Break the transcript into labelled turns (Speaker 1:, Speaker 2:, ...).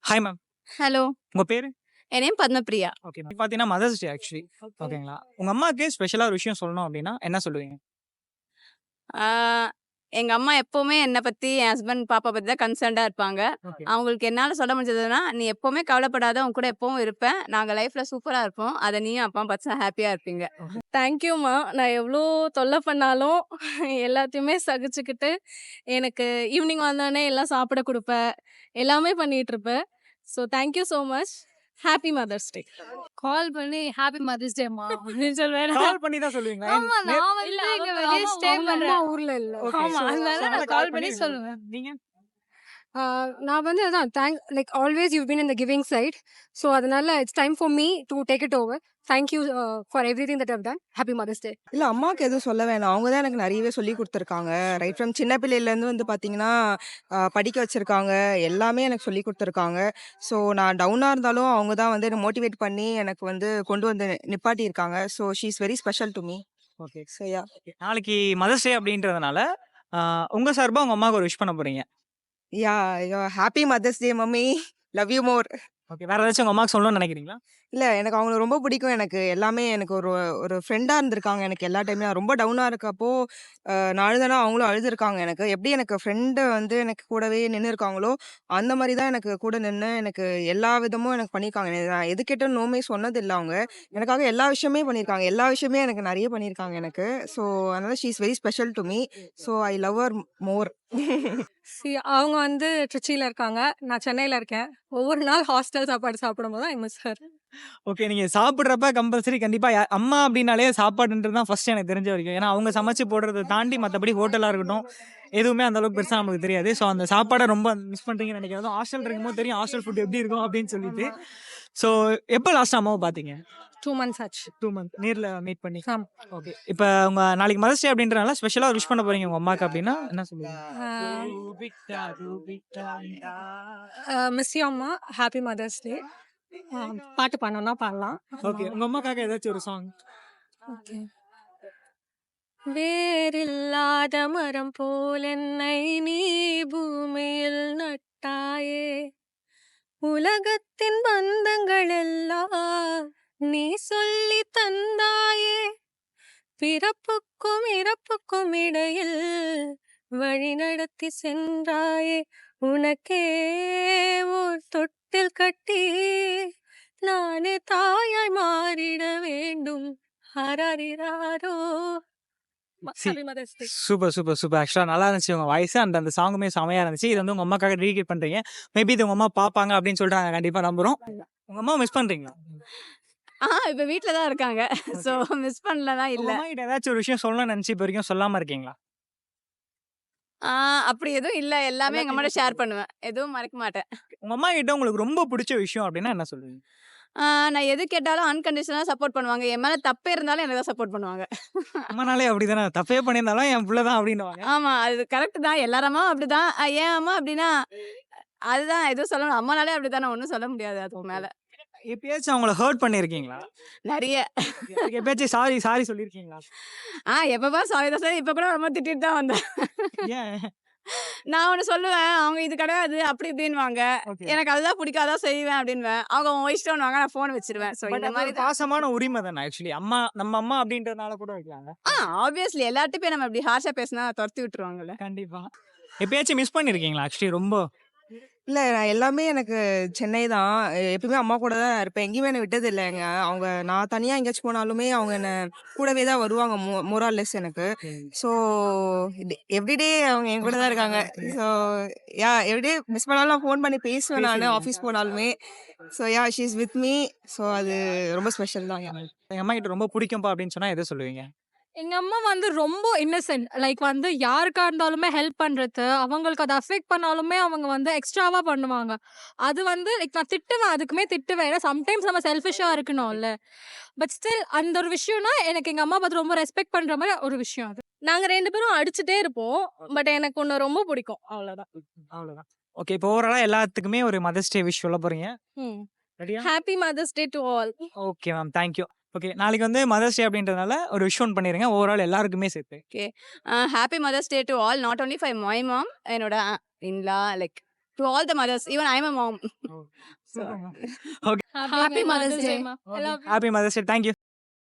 Speaker 1: Hi ma'am.
Speaker 2: Hello.
Speaker 1: உங்க பேரு?
Speaker 2: என் நேம் பத்மபிரியா.
Speaker 1: Okay ma'am. பார்த்தீங்கன்னா மதர்ஸ் டே ஆக்சுவலி. ஓகேங்களா? உங்க அம்மாக்கு ஸ்பெஷலா ஒரு விஷயம் சொல்லணும் அப்டின்னா என்ன சொல்லுவீங்க?
Speaker 2: ஆ எங்க அம்மா எப்பவுமே என்ன பத்தி, என் ஹஸ்பண்ட், பாப்பா பத்தி தான் கன்சர்ன்டா இருப்பாங்க.
Speaker 1: ஓகே.
Speaker 2: அவங்களுக்கு என்னால சொல்ல முடிஞ்சதுன்னா, "நீ எப்பவுமே கவலைப்படாத. உன் கூட எப்பவும் இருப்பேன். நாங்க லைஃப்ல சூப்பரா இருப்போம். அத நீயும் அப்பாவும் பார்த்து ஹாப்பியா இருப்பீங்க."
Speaker 1: ஓகே.
Speaker 3: தேங்க்யூம்மா. நான் எவ்ளோ தொல்ல பண்ணாலும் எல்லாத்தையுமே சகிச்சுக்கிட்டு, எனக்கு ஈவினிங் வந்தோனே எல்லாம் சாப்பிட குடுப்ப. எல்லாமே பண்ணிட்டுருப்ப. So thank you so much. Happy mother's day.
Speaker 4: Call பண்ணி ஹாப்பி மதர்ஸ் டேமா அப்படின்னு சொல்லுவேன்.
Speaker 1: கால் பண்ணி தான் சொல்லுவீங்களா?
Speaker 4: ஆமா, நான் வந்து இங்க வெளிய ஸ்டே பண்றேன்.
Speaker 3: ஊர்ல இல்ல.
Speaker 1: ஓகே.
Speaker 4: ஆமா, அதனால நான் கால் பண்ணி சொல்லுவேன்.
Speaker 1: நீங்க?
Speaker 3: நான் வந்து அதான் like always you been in the giving side. So அதனால it's time for me to take it over. Thank you for everything that I have done. Happy mother's day.
Speaker 5: இல்ல அம்மாவுக்கு எதுவும் சொல்ல வேணாம். அவங்க தான் எனக்கு நிறையவே சொல்லிக் குடுத்துருக்காங்க. ரைட் ஃப்ரம் சின்ன பிள்ளையிலேருந்து வந்து பார்த்தீங்கன்னா, படிக்க வச்சிருக்காங்க. எல்லாமே எனக்கு சொல்லிக் குடுத்துருக்காங்க. ஸோ நான் டவுனா இருந்தாலும் அவங்க தான் வந்து என்ன மோட்டிவேட் பண்ணி எனக்கு வந்து கொண்டு வந்து நிப்பாட்டியிருக்காங்க. So she is very special to me.
Speaker 1: Okay.
Speaker 5: So yeah.
Speaker 1: நாளைக்கு மதர்ஸ் டே அப்டின்றதுனால உங்க சார்பா உங்க அம்மாவுக்கு ஒரு விஷ் பண்ண போறீங்க.
Speaker 5: Yeah happy mother's day mummy. Love you more.
Speaker 1: Okay. வேற ஏதாச்சும் உங்க அம்மாக்கு சொல்லணும்னு நினைக்கிறீங்களா?
Speaker 5: இல்ல எனக்கு அவங்கள ரொம்ப பிடிக்கும். எனக்கு எல்லாமே எனக்கு ஒரு ஒரு ஃப்ரெண்டா இருந்திருக்காங்க. எனக்கு எல்லா டைம்லயும் நான் ரொம்ப டவுனா இருக்கப்போ, நான் அழுதேன்னா அவங்களும் அழுதுருக்காங்க எனக்கு. எப்படி எனக்கு ஃப்ரெண்டு வந்து எனக்கு கூடவே நின்னு இருக்காங்களோ, அந்த மாரி தான் எனக்கு கூட நின்னு எனக்கு எல்லா விதமும் எனக்கு பண்ணியிருக்காங்க. நான் எது கேட்டாலும் நோமே சொன்னதில்ல அவங்க. எனக்காக எல்லா விஷயமே பண்ணியிருக்காங்க. எல்லா விஷயமே எனக்கு நெறைய பண்ணியிருக்காங்க எனக்கு. ஸோ அதனால she is very special to me. So I love her more.
Speaker 3: அவங்க வந்து ட்ரிச்சில இருக்காங்க. நான் சென்னையில இருக்கேன். ஒவ்வொரு நாள் ஹாஸ்டல் சாப்பாடு சாப்பிடும்போது ஐ மிஸ் ஹர்.
Speaker 1: ஓகே. நீங்க சாப்பிடுறப்ப கம்பல்சரி கண்டிப்பா அம்மா அப்டின்னாலே சாப்பாடுன்றது தான் ஃபர்ஸ்ட் எனக்கு தெரிஞ்ச வரைக்கும். ஏன்னா அவங்க சமைச்சு போடுறத தாண்டி மத்தபடி ஹோட்டலா இருக்கட்டும், எதுவுமே அந்த அளவுக்கு பெருசா நமக்கு தெரியாது. ஸோ அந்த சாப்பாட ரொம்ப மிஸ் பண்றீங்கன்னு நினைக்கிறேன். அதுவும் ஹாஸ்டல் இருக்கும்போது தெரியும் ஹாஸ்டல் ஃபுட் எப்படி இருக்கும் அப்படின்னு சொல்லிட்டு. ஸோ எப்ப லாஸ்ட்டா அம்மாவ பார்த்தீங்க?
Speaker 3: 2 months ஆச்சு.
Speaker 1: 2 மந்த் நேர்ல மீட் பண்ணி.
Speaker 3: ஆமா.
Speaker 1: ஓகே. இப்ப உங்க நாளைக்கு மதர்ஸ் டே அப்படின்றனால ஸ்பெஷலா விஷ் பண்ண போறீங்க உங்க அம்மாக்கு அப்படின்னா என்ன சொல்லுவீங்க?
Speaker 3: மிஸ் யூ அம்மா. Happy mother's day. பாட்டு பாடணும்னா பாடலாம்.
Speaker 1: ஓகே. உங்க அம்மாக்காக ஏதாச்சும் ஒரு சாங்.
Speaker 3: ஓகே. வேரில்லாத மரம் போல் என்னை நீ பூமியில் நட்டாயே, உலகத்தின் பந்தங்கள் எல்லாம் நீ சொல்லி தந்தாயே, பிறப்புக்கும் இறப்புக்கும் இடையில் வழி நடத்தி சென்றாயே, உனக்கே ஓர் தொட்டில் கட்டி நானே தாயாய் மாறிட வேண்டும். ஹரரிராரோ. Happy mother's day.
Speaker 1: Super, super, super. ஆக்சுவலா நல்லா இருந்துச்சு உங்க வாய்ஸ் அண்ட் அந்த சாங்குமே செமையா இருந்துச்சு. இது வந்து உங்க அம்மாக்காக டெடிகேட் பண்றீங்க. மேபி இது உங்க அம்மா பார்ப்பாங்க அப்படின்னு சொல்லிட்டு நாங்க கண்டிப்பா நம்புறோம். உங்க அம்மாவ மிஸ் பண்றீங்களா?
Speaker 2: இப்ப வீட்ல தான் இருக்காங்க. ஸோ மிஸ் பண்ணலலாம்
Speaker 1: உங்க
Speaker 2: இல்ல.
Speaker 1: அம்மா கிட்ட ஏதாச்சும் ஒரு விஷயம் சொல்லணும்னு நினைச்சு இப்ப வரைக்கும் சொல்லாம இருக்கீங்களா?
Speaker 2: அப்படி எதுவும் இல்ல. எல்லாமே எங்க அம்மாட்ட ஷேர் பண்ணுவேன். எதுவும் மறைக்க மாட்டேன்.
Speaker 1: உங்க அம்மா கிட்ட உங்களுக்கு ரொம்ப பிடிச்ச விஷயம் அப்படின்னா என்ன சொல்லுவீங்க?
Speaker 2: நான் எது கேட்டாலும் அன்கண்டிஷனலா சப்போர்ட் பண்ணுவாங்க. என் மேல தப்பே இருந்தாலும் எனக்கு தான் சப்போர்ட் பண்ணுவாங்க.
Speaker 1: அம்மானாலே அப்படிதானே. தப்பே பண்ணியிருந்தாலும் என் புள்ள தான் அப்படின்னுவாங்க.
Speaker 2: ஆமா. அது கரெக்ட் தான். எல்லார் அம்மாவும் அப்படிதான். என் அம்மா அப்படின்னா, அதுதான் எதுவும் சொல்லணும். அம்மானாலே அப்படித்தானே. ஒண்ணும் சொல்ல முடியாது அதுக்கு மேல.
Speaker 1: எப்பயாச்சும் அவங்கள ஹர்ட் பண்ணியிருக்கீங்களா?
Speaker 2: நெறைய.
Speaker 1: அதுக்கு எப்பயாச்சும் சாரி சாரி சொல்லியிருக்கீங்களா?
Speaker 2: எப்ப பாரு சாரி தான் சார். இப்ப கூட ரொம்ப திட்டிட்டு தான் வந்தேன்.
Speaker 1: ஏன்?
Speaker 2: நான் ஒண்ணு சொல்லுவேன். அவங்க இது கிடையாது அப்படி இப்படின்னுவாங்க.
Speaker 1: ஓகே.
Speaker 2: எனக்கு அதுதான் பிடிக்கும். அதான் செய்வேன் அப்படின்னுவேன். அவங்க உன் இஷ்டம்னுவாங்க. நான் ஃபோன் வச்சுருவேன். ஸோ
Speaker 1: பட்
Speaker 2: இந்த
Speaker 1: அது
Speaker 2: மாரி
Speaker 1: ஒரு
Speaker 2: தான்.
Speaker 1: பாசமான உரிமை தானே ஆக்சுவலி. அம்மா நம்ம அம்மா அப்படின்றதுனால கூட வைக்கலாங்க.
Speaker 2: ஆப்வியஸ்லி எல்லார்ட்டயும் போய் நம்ம இப்படி ஹார்ஷா பேசினா தொரத்தி விட்டுருவாங்கல்ல.
Speaker 1: கண்டிப்பா. எப்பயாச்சும் மிஸ் பண்ணியிருக்கீங்களா ஆக்சுவலி ரொம்ப?
Speaker 5: இல்ல நான் எல்லாமே எனக்கு சென்னை தான். எப்பயுமே அம்மா கூட தான் இருப்பேன். எங்கேயுமே என்ன விட்டதில்லங்க. அவங்க நான் தனியா எங்கேயாச்சும் போனாலுமே அவங்க என்ன கூடவே தான் வருவாங்க. மோர் ஆர் லெஸ் எனக்கு. ஸோ எவ்ரிடே அவங்க என் கூட தான் இருக்காங்க. ஸோ எவ்ரிடே மிஸ் பண்ணாலும் நான் ஃபோன் பண்ணி பேசுவேன் நானு ஆஃபீஸ் போனாலுமே. So she is with me. So அது ரொம்ப ஸ்பெஷல் தான்.
Speaker 1: எங்க அம்மா கிட்ட ரொம்ப பிடிக்கும்பா அப்படின்னு சொன்னா எதை சொல்லுவீங்க?
Speaker 4: எங்க அம்மா வந்து ரொம்ப இன்னசென்ட். லைக் வந்து யாருக்கா இருந்தாலுமே ஹெல்ப் பண்றது, அவங்களுக்கு அது அஃபெக்ட் பண்ணாலுமே அவங்க வந்து எக்ஸ்ட்ராவா பண்ணுவாங்க. அது வந்து லைக் நான் திட்டுவேன். அதுக்குமே திட்டுவேன். ஏன்னா சம்டைம்ஸ் நம்ம செல்ஃபிஷா இருக்கணும்ல. பட் ஸ்டில் அந்த ஒரு விஷயம்னா எனக்கு எங்க அம்மா பார்த்து ரொம்ப ரெஸ்பெக்ட் பண்ற மாரி ஒரு விஷயம் அது. நாங்க 2 பேரும் அடிச்சுட்டே இருப்போம். பட் எனக்கு ஒண்ணு ரொம்ப பிடிக்கும். அவ்வளவுதான்.
Speaker 1: அவ்வளவுதான். ஓகே. இப்போ ஓவராலா எல்லாத்துக்குமே ஒரு மதர்ஸ் டே விஷ் சொல்ல போறீங்க. ரெடியா?
Speaker 3: Happy mother's day to all.
Speaker 1: Okay ma'am. Thank you. Okay. நாளைக்கு வந்து மதர்ஸ் டே அப்படின்றதுனால ஒரு விஷ் ஒன் பண்ணிருங்க. ஓவரால் எல்லாருக்குமே சேர்த்து.
Speaker 2: Okay. Happy mother's day to all. Not only for my mom. என்னோட in law like to all the mothers, even I am a mom.
Speaker 1: Okay
Speaker 3: happy mother's day
Speaker 4: மா.
Speaker 1: Happy mother's day. Thank you.